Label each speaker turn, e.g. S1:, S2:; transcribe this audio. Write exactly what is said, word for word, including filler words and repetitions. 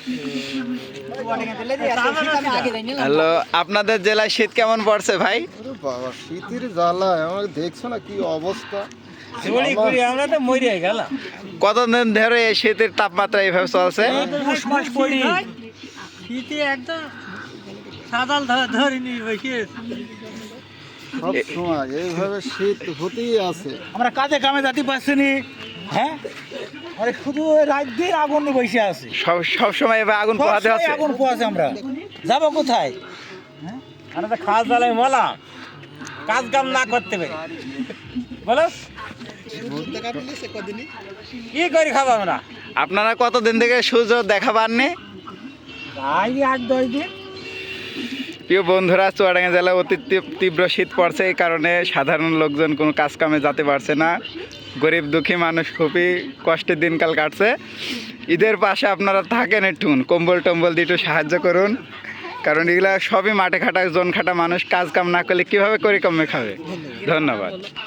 S1: Hello, আপনাদের জেলায় শীত কেমন পড়ছে ভাই?
S2: বাবা শীতের জ্বালা আমাকে দেখছো না কি অবস্থা।
S3: আমরা তো মরে গেলাম।
S1: কতদিন ধরে এই শীতের তাপমাত্রা এইভাবে চলছে?
S3: শীতে একদম সাদাল ধরিনি বসে
S2: সব সময় এইভাবে শীত হতেই আছে।
S3: আমরা কাজে কামে যেতে পারছি নি। হ্যাঁ, আরে শুধু ওই রাত দিন আগুন নিয়ে বসে আছি।
S1: সব সব সময় এভাবে আগুন পোহাতে হচ্ছে।
S3: আগুন পোয়াছে, আমরা যাবো কোথায়? হ্যাঁ, আমরা তো খাওয়া জ্বালায় মলা, কাজ কাম না করতে পারি। বলো কি করে খাবো আমরা?
S1: আপনারা কতদিন থেকে সূর্য দেখা পাননি?
S3: আই আট দশ দিন।
S1: প্রিয় বন্ধুরা, চুয়াডাঙ্গা জেলায় অতি তীব- তীব্র শীত পড়ছে, এই কারণে সাধারণ লোকজন কোনো কাজ কামে যেতে পারছে না। গরিব দুঃখী মানুষ খুবই কষ্টের দিনকাল কাটছে। ঈদের পাশে আপনারা থাকেন, একটু কম্বল টম্বল দিয়ে একটু সাহায্য করুন, কারণ এগুলা সবই মাঠে খাটা জন খাটা মানুষ, কাজ কাম না করলে কীভাবে করে কমে খাবে। ধন্যবাদ।